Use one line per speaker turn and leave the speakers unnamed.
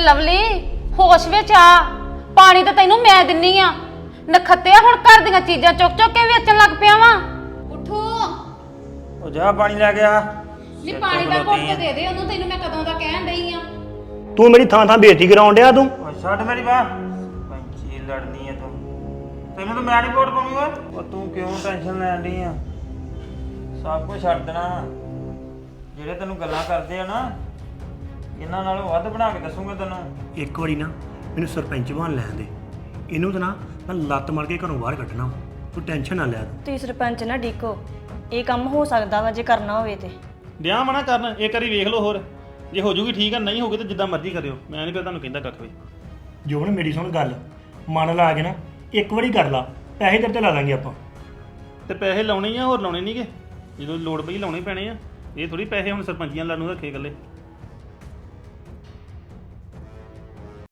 Lovely ਹੋਸ਼ ਵਿੱਚ ਆ। ਪਾਣੀ ਤਾਂ ਤੈਨੂੰ ਮੈਂ ਦਿੰਨੀ ਆ। ਨਖੱਤਿਆ ਹੁਣ ਘਰ ਦੀਆਂ ਚੀਜ਼ਾਂ ਚੁੱਕ ਚੁੱਕ ਕੇ ਵੇਚਣ ਲੱਗ ਪਿਆ ਵਾ। ਉਠੋ
ਉਹ ਜਾ ਪਾਣੀ ਲੈ ਕੇ ਆ।
ਨੀ ਪਾਣੀ ਦਾ ਘੁੱਟ ਦੇ ਦੇ ਉਹਨੂੰ, ਤੈਨੂੰ ਮੈਂ ਕਦੋਂ ਦਾ ਕਹਿਣ ਡਈ ਆ।
ਤੂੰ ਮੇਰੀ ਥਾਂ ਥਾਂ ਬੇਇੱਜ਼ਤੀ ਕਰਾਉਣ ਡਿਆ ਤੂੰ।
ਓ ਛੱਡ ਮੇਰੀ ਬਾਹ, ਪੰਚੀ ਲੜਨੀ ਆ ਤੂੰ। ਤੈਨੂੰ ਤਾਂ ਮੈਂ ਨਹੀਂ ਵੋਟ ਪਾਉਣੀ ਓਏ। ਉਹ ਤੂੰ ਕਿਉਂ ਟੈਨਸ਼ਨ ਲੈਣ ਡਈ ਆ? ਸਭ ਕੁਝ ਛੱਡ ਦੇਣਾ ਵਾ। ਜਿਹੜੇ ਤੈਨੂੰ ਗੱਲਾਂ ਕਰਦੇ ਆ ਨਾ, ਇਹਨਾਂ ਨਾਲੋਂ ਵੱਧ ਬਣਾ ਕੇ ਦੱਸੂਗਾ ਤੈਨੂੰ।
ਇੱਕ ਵਾਰੀ ਨਾ ਮੈਨੂੰ ਸਰਪੰਚ ਬਣ ਲੈਣ ਦੇ। ਇਹਨੂੰ ਤਾਂ ਨਾ ਮੈਂ ਲੱਤ ਮਾਰ ਕੇ ਘਰੋਂ ਬਾਹਰ ਕੱਢਣਾ। ਤੂੰ ਟੈਨਸ਼ਨ ਨਾ ਲੈ ਤੂੰ।
ਤੁਸੀਂ ਸਰਪੰਚ ਨਾ ਡੀਕੋ, ਇਹ ਕੰਮ ਹੋ ਸਕਦਾ ਵਾ ਜੇ ਕਰਨਾ ਹੋਵੇ ਤੇ।
ਡਿਆ ਮਨਾ ਕਰਨ, ਇੱਕ ਵਾਰੀ ਵੇਖ ਲਓ ਹੋਰ, ਜੇ ਹੋ ਜੂਗੀ ਠੀਕ ਆ, ਨਹੀਂ ਹੋਊਗੀ ਤਾਂ ਜਿੱਦਾਂ ਮਰਜ਼ੀ ਕਰਿਓ। ਮੈਂ ਨਹੀਂ ਫਿਰ ਤੁਹਾਨੂੰ ਕਹਿੰਦਾ ਕੱਖ ਵੀ।
ਜੋਬਨ ਮੇਰੀ ਸੁਣ ਗੱਲ, ਮਨ ਲਾ ਕੇ ਨਾ ਇੱਕ ਵਾਰੀ ਕਰ ਲਾ, ਪੈਸੇ ਤੇਰੇ ਤੇ ਲਾ ਲਾਂਗੇ ਆਪਾਂ।
ਤੇ ਪੈਸੇ ਲਾਉਣੇ ਆ, ਹੋਰ ਲਾਉਣੇ ਨਹੀਂਗੇ। ਜਦੋਂ ਲੋੜ ਪਈ ਲਾਉਣੇ ਪੈਣੇ ਆ। ਇਹ ਥੋੜੀ ਪੈਸੇ ਹੁਣ ਸਰਪੰਚੀਆਂ ਲਾਨੂੰ ਰੱਖੇ ਇਕੱਲੇ।